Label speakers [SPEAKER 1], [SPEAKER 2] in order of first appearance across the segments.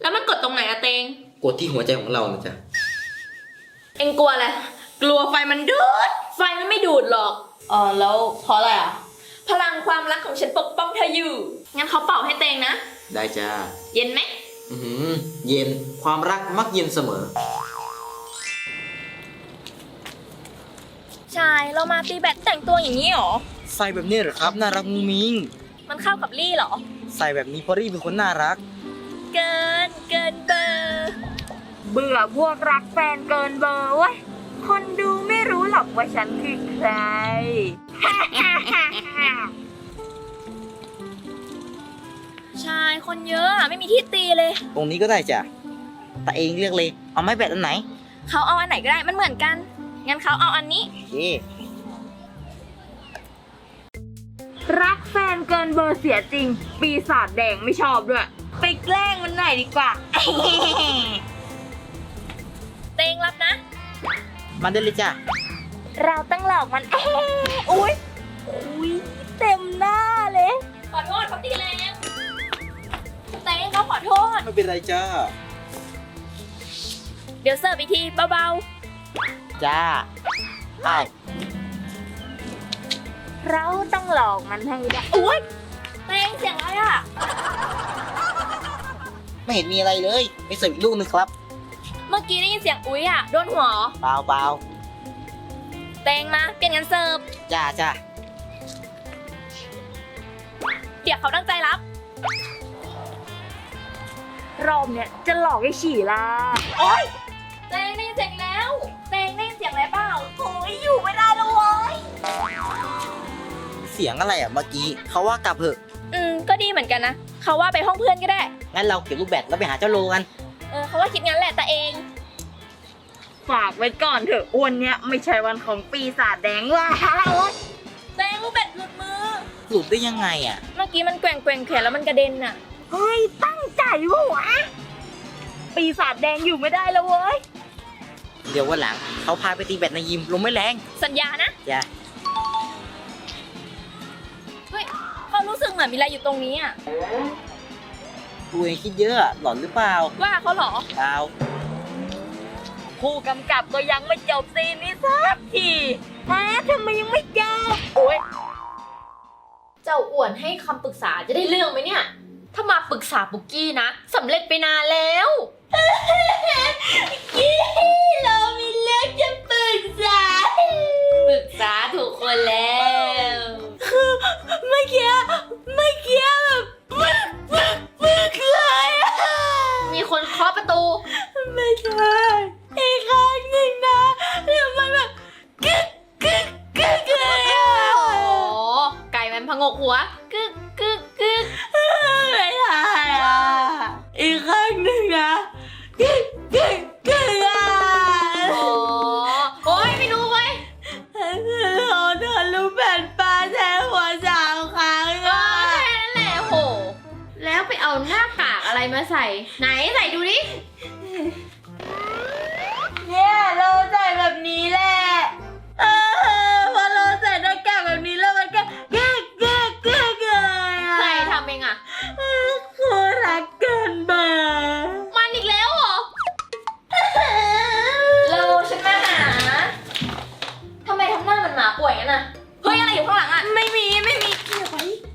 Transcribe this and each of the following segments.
[SPEAKER 1] แล้วมันกดตรงไหนอะเตง
[SPEAKER 2] กดที่หัวใจของเรานะจ๊ะ
[SPEAKER 1] เอ็งกลัวอะไรกลัวไฟมันดูดไฟมันไม่ดูดหรอกแล้วเพราะอะไรอะพลังความรักของฉันปกป้องเธออยู่งั้นเขาเป่าให้เตงนะ
[SPEAKER 2] ได้จ้า
[SPEAKER 1] เย็นไหม
[SPEAKER 2] เย็นความรักมักเย็นเสมอ
[SPEAKER 1] ชายเรามาตีแบดแต่งตัวอย่างนี้หรอ
[SPEAKER 2] ใส่แบบนี้เหรอครับน่ารักมุ้งมิ้ง
[SPEAKER 1] มันเข้ากับลี่หรอ
[SPEAKER 2] ใส่แบบนี้เพราะรี่เป็นคนน่ารัก
[SPEAKER 1] เกินเบอร์เบื่อพวกรักแฟนเกินเบอร์เว้ยคนดูไม่รู้หรอกว่าฉันคือใคร ชายคนเยอะไม่มีที่ตีเลย
[SPEAKER 2] ตรงนี้ก็ได้จ้ะแต่เองเลือกเลยเอาไม้แบดอันไหน
[SPEAKER 1] เขาเอาอันไหนก็ได้มันเหมือนกันงั้นเขาเอาอันนี้รักแฟนเกินเบอร์เสียจริงปีศาจแดงไม่ชอบด้วยไปแกล้งมันหน่อยดีกว่า เตงรับนะ
[SPEAKER 2] มาได้เลยจ้ะ
[SPEAKER 1] เราต้องหลอกมันอุ้ยเต็มหน้าเลยขอโทษเขาตีแรงเตงเขาขอโทษ
[SPEAKER 2] ไม่เป็นไรจ้า
[SPEAKER 1] เดี๋ยวเสิร์ฟอีกทีเบา
[SPEAKER 2] ๆจ้าไป
[SPEAKER 1] เราต้องหลอกมันให้ได้อุ้ยเตงเสียงอะไรอ่ะ
[SPEAKER 2] ไม่เห็นมีอะไรเลยไปเสิร์ฟอีกลูกนึงครับ
[SPEAKER 1] เมื่อกี้ได้ยินเสียงอุ้ยอ่ะโดนหัว
[SPEAKER 2] เปล่า
[SPEAKER 1] เตงมาเปลี่ยนกันเสิร์ฟ
[SPEAKER 2] จ้า
[SPEAKER 1] เดี๋ยวเขาตั้งใจรับรอบเนี่ยจะหลอกให้ฉี่ละโอ๊ยเตงได้ยินเสียงแล้วเตงได้ยินเสียงอะไรเปล่าโอ้ยอยู่ไม่ได้แล้วเว้ย
[SPEAKER 2] เสียงอะไรอ่ะเมื่อกี้เขาว่ากลับเถอะ
[SPEAKER 1] ก็ดีเหมือนกันนะเขาว่าไปห้องเพื่อนก็ได้
[SPEAKER 2] งั้นเราเก็บลูกแบดแล้วไปหาเจ้าโลกัน
[SPEAKER 1] เขาว่าคิดงั้นแหละแต่เองฝากไว้ก่อนเถอะวันเนี้ยไม่ใช่วันของปีศาจแดงว่ะเตงลูกแบดหลุดมือ
[SPEAKER 2] หลุดได้ยังไงอ่ะ
[SPEAKER 1] เมื่อกี้มันแกว่งแขนแล้วมันกระเด็นอ่ะเฮ้ยตั้งใจวะปีศาจแดงอยู่ไม่ได้แล้วเว้ย
[SPEAKER 2] เดี๋ยววันหลังเขาพาไปตีแบดในยิมลมไม่แรง
[SPEAKER 1] สัญญานะ
[SPEAKER 2] จ้ะ
[SPEAKER 1] เฮ้ยเขารู้สึกเหมือนมีอะไรอยู่ตรงนี้อ่ะ
[SPEAKER 2] ตัวเองคิดเยอะหลอนหรือเปล่า
[SPEAKER 1] ว่าเขาเหรอ
[SPEAKER 2] เปล่า
[SPEAKER 1] ผู้กำกับก็ยังไม่จบซีนนี้สักทีทำไมยังไม่จบโอ๊ยเจ้าอ้วนให้คำปรึกษาจะได้เรื่องไหมเนี่ยถ้ามาปรึกษาปุกกี้นะสำเร็จไปนานแล้วกี้เรามีเรื่องจะปรึกษาถูกคนแล้วคือเมื่อกี้แบบเลยมีคนเคาะประตูไม่ใช่อีกครั้งหนึ่งนะแล้วมันแบบกึกเลยอ่ะโอ้ไก่มันผงกหัวกึกไม่ใช่อ่ะอีกครั้งหนึ่งนะกึกอ่ะโอ้ยไม่รู้เว้ยเราโดนลูกแผ่นปลาแทงหัว3 ครั้งก็แค่นั้นแหละโหแล้วไปเอาหน้ากากอะไรมาใส่ไหนใส่ดูดิเนี่ยเราใส่แบบนี้แหละพอเราใส่หน้ากากแบบนี้แล้วมันก็กึกเลยอ่ะใครทำเองอ่ะคือรักเกินเบอร์มันอีกแล้วเหรอเราฉันมาหาทำไมทำหน้ามันหมาป่วยงั้นน่ะเฮ้ยอะไรอยู่ข้างหลังอ่ะไม่มีเกี่ยวไป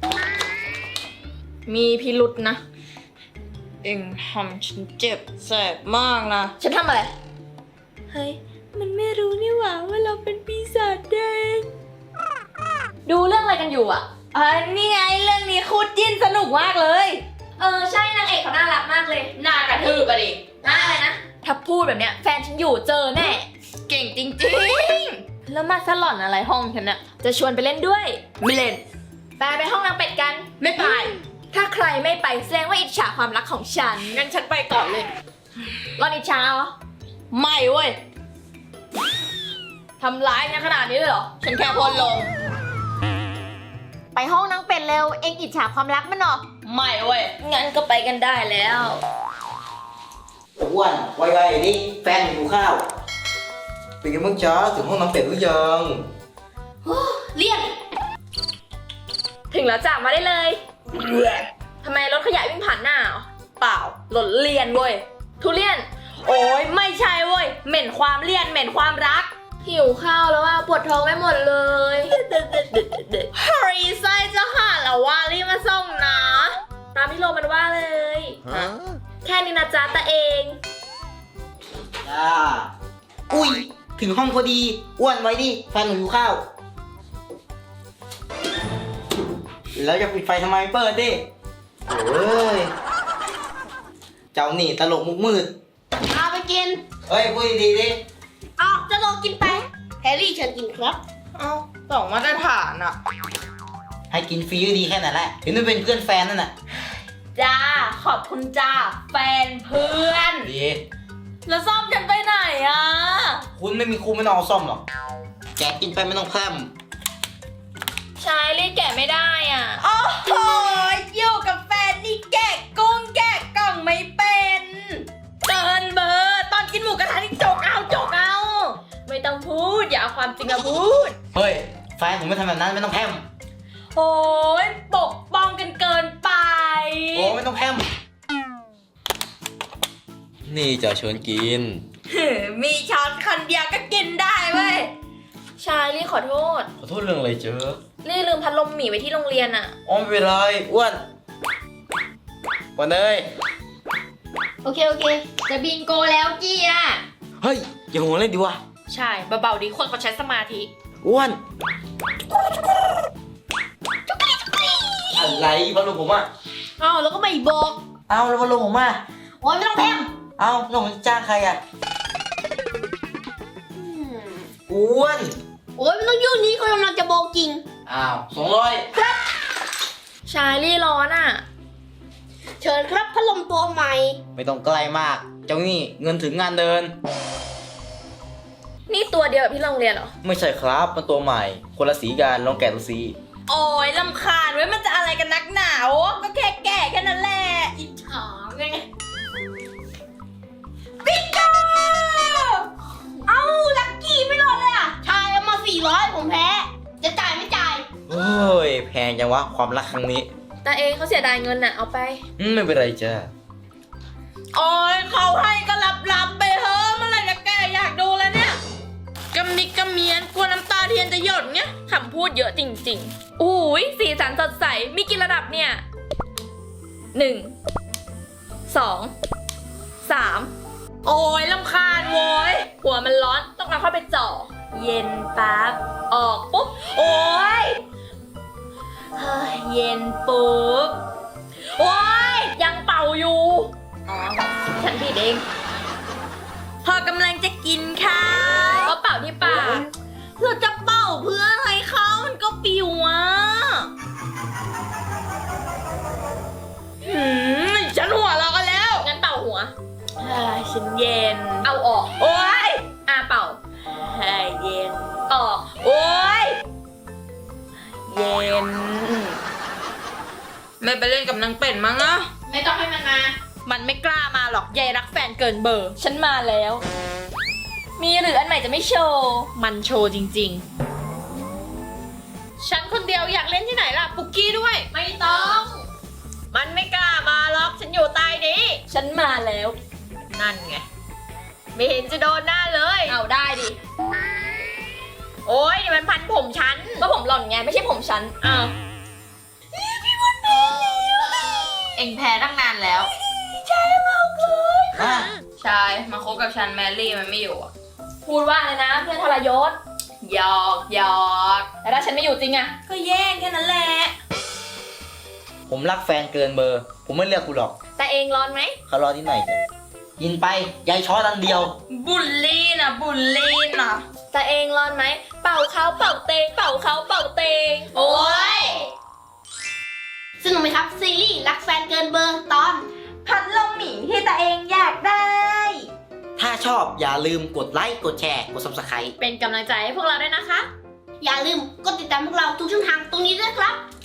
[SPEAKER 1] มีพิรุษนะเอ็งทำฉันเจ็บแสบมากนะฉันทำอะไรเฮ้ยมันไม่รู้นี่หว่าเราเป็นปีศาจแดงดูเรื่องอะไรกันอยู่อ่ะนี่ไงเรื่องนี้คู่จิ้นสนุกมากเลยใช่นางเอกเขาน่ารักมากเลยน่ากระทืบอะดิน่าอะไรนะถ้าพูดแบบเนี้ยแฟนฉันอยู่เจอแน่เก่งจริงๆแล้วมาสลอนอะไรห้องฉันน่ะจะชวนไปเล่นด้วยไม่เล่นไปห้องนางเป็ดกันไม่ไปถ้าใครไม่ไปแสดงว่าอิจฉาความรักของฉันงั้นฉันไปก่อนเลยรอนอิจฉาเหรอไม่เว้ยทำร้ายกันขนาดนี้เลยเหรอฉันแค่พลลงไปห้องนางเป็ดเร็วเอ็งอิจฉาความรักมันเหรอไม่เว้ยงั้นก็ไปกันได้แล้ว
[SPEAKER 2] อ้วนไวๆดิแฟนหิวข้าวเป็นไงบ้างจ๊ะถึงห้องน้ำเป็ดหรือยัง
[SPEAKER 1] เรียกถึงแล้วจ้ะมาได้เลยทำไมรถขยะวิ่งผ่านหน้าเปปล่าหล่นเลียนเว้ยทุเรียนโอ้ยไม่ใช่เว้ยเหม็นความเลี่ยนเหม็นความรักหิวข้าวแล้วว่าปวดท้องไปหมดเลยเฮ้ยไส้จะขาดแล้วว่ารีบมาส่งนะตามที่โลมันว่าเลยแค่นี้นะจ๊ะตาเอง
[SPEAKER 2] จ้าอุ้ยถึงห้องพอดีอ้วนไว้ดิแฟนหนูอยู่ข้าวแล้วจะปิดไฟทำไมเปิดดิโอ้ยเจ้านี่ตลกมุกมืด
[SPEAKER 3] เอาไปกิน
[SPEAKER 2] เฮ้ยพูดดีๆดิ
[SPEAKER 3] เอาจะลองกินไปแฮร์รี่เชิญกินครับ
[SPEAKER 1] เอ้าสองมาตรฐานอะ
[SPEAKER 2] ให้กินฟรีก็ดีแค่นั้นแหละถึงไม่เป็นเพื่อนแฟนนั่นน่ะ
[SPEAKER 1] จ้าขอบคุณจ้าแฟนเพื่อน
[SPEAKER 2] ดี
[SPEAKER 1] แล้วซ่อมกันไปไหนอะ
[SPEAKER 2] คุณไม่มีครูไม่ต้องเอาซ่อมหรอกแกกินไปไม่ต้องแพร่ม
[SPEAKER 1] ชายรีดแกะไม่ได้อ่ะโอ้โหอยู่กับแฟนนี่แกะกุ้งแกะกล่องไม่เป็นเกินเบอร์ตอนกินหมูกระทะนี่จกเอาไม่ต้องพูดอย่าเอาความจริงมาพูด
[SPEAKER 2] เฮ้ยแฟนผมไม่ทำแบบนั้นไม่ต้องแพร่ม
[SPEAKER 1] โอ้ยปกป้องกันเกินไป
[SPEAKER 2] โอ้ไม่ต้องแพร่มนี่จะชวนกิน
[SPEAKER 1] มีช้อนคนเดียวก็กินได้เว้ยชายรีขอโทษ
[SPEAKER 2] ขอโทษเรื่องอะไรเจ๊
[SPEAKER 1] รีลืมพัดลมหมีไว้ที่โรงเรียนอ่ะ
[SPEAKER 2] อ๋อไม่เป็นไรอ้วนวันเอ้ย
[SPEAKER 3] โอเค จะบินโกแล้วกี้อ่ะ
[SPEAKER 2] เฮ้ยอย่าหัวเล่นดิวะ
[SPEAKER 1] ใช่เบาๆดีคนเขาใช้สมาธิ
[SPEAKER 2] อ้วนอะไรบอลลูนผมอ่ะ
[SPEAKER 3] เอาแล้วก็ไม่บอก
[SPEAKER 2] เอาแล้วบอลลูนผมอ่ะ
[SPEAKER 3] โอ้ยไม่ต้องแพม
[SPEAKER 2] เอาแล้วผมจะจ้างใครอ่ะอ้วน
[SPEAKER 3] โอ้ยไม่ต้องยุ่งนี้เขากำลังจะบอกจริง
[SPEAKER 2] อ้าว200
[SPEAKER 1] ชายรีร้อนอ่ะ
[SPEAKER 3] เชิญครับพัดลมตัวใหม่
[SPEAKER 2] ไม่ต้องใกล้มาก เจ้านี่เงินถึงงานเดิน
[SPEAKER 1] นี่ตัวเดียวกับที่โรงเรียนเหรอ
[SPEAKER 2] ไม่ใช่ครับมันตัวใหม่ คนละสีกันลองแกะดูสิ
[SPEAKER 1] โอ้ยลำคาญเว้ยมันจะอะไรกันนักหนาวก็แค่แก่แค่นั้นแหละ
[SPEAKER 3] อิจฉาไง
[SPEAKER 1] ปิกาเอ้าลักกี้ไม่รอดเลยอ่ะ
[SPEAKER 3] ชายเอามา400ผมแพ้ จะจ่ายไม่จ่าย
[SPEAKER 2] เฮ้ยแพงจังวะความรักครั้งนี้
[SPEAKER 1] แต่เองเขาเสียดายเงินน่ะเอาไป
[SPEAKER 2] ไม่เป็นไรจ้า
[SPEAKER 1] โอ้ยเขาให้ก็รับไปเฮ้เมื่อไหร่จะแกอยากดูแล้วเนี่ยกำมิกกำเมียนกลัวน้ำตาเทียนจะหยดเงี้ยคำพูดเยอะจริงๆอุ้ยสีสันสดใสมีกี่ระดับเนี่ย1 2 3โอ้ยลำคาญโว้ยหัวมันร้อนต้องเอาเข้าไปจ่อเย็นปั๊บออกปุ๊บโอ้ยเฮ้ยเย็นปุ๊บโอ้ยยังเป่าอยู่อ๋อฉันผิดเองพอกำลังจะกินข้าวก็เป่าที่ปากเราจะเป่าเพื่ออะไรเขามันก็ปิวอ่ะฉันหัวเราะกันแล้วงั้นเป่าหัวฉันเย็นเอาออกโอ้ยเป่าให้เย็นออกโอ้ยเย็นไม่ไปเล่นกับนางเป็ดมั้งอะ
[SPEAKER 3] ไม่ต้องให้มันมา
[SPEAKER 1] มันไม่กล้ามาหรอกยายรักแฟนเกินเบอร์ฉันมาแล้ว มีหรืออันใหม่จะไม่โชว์มันโชว์จริงๆฉันคนเดียวอยากเล่นที่ไหนล่ะปุกกี้ด้วยไม่ต้องมันไม่กล้ามาหรอกฉันอยู่ใต้นี้ฉันมาแล้วนั่นไงไม่เห็นจะโดนหน้าเลยเอาได้ดิโอ้ยนี่มันพันผมฉันก็ผมหล่อนไงไม่ใช่ผมฉันอ้าวพี่วันแพ้แล้วเอ็งแพ้ตั้งนานแล้วใช่มากเลยใช่มาคบกับฉันแมรี่มันไม่อยู่พูดว่าเลยนะเพื่อนทรยศหยอกแต่ถ้าฉันไม่อยู่จริงอะก็แย่งแค่นั้นแหละ
[SPEAKER 2] ผมรักแฟนเกินเบอร์ ผมไม่เลือกคุณหรอก
[SPEAKER 1] แต่เองร้อนไหม
[SPEAKER 2] เขารอที่ไหนจ้ะกินไปยายช้อนอันเดียว
[SPEAKER 1] บุลลี่นะแต่เองร้อนไหมเป่าเขาเป่าเตงเป่าเขาเป่าเตงโอ้ย
[SPEAKER 3] สนุกไหมครับซีรีส์รักแฟนเกินเบอร์ตอน
[SPEAKER 1] พัดลมหมีที่ตัวเองอยากได้
[SPEAKER 2] ถ้าชอบอย่าลืมกดไลค์กดแชร์กด Subscribe
[SPEAKER 1] เป็นกำลังใจให้พวกเราด้วยนะคะ
[SPEAKER 3] อย่าลืมกดติดตามพวกเราทุกช่องทางตรงนี้ด้วยครับ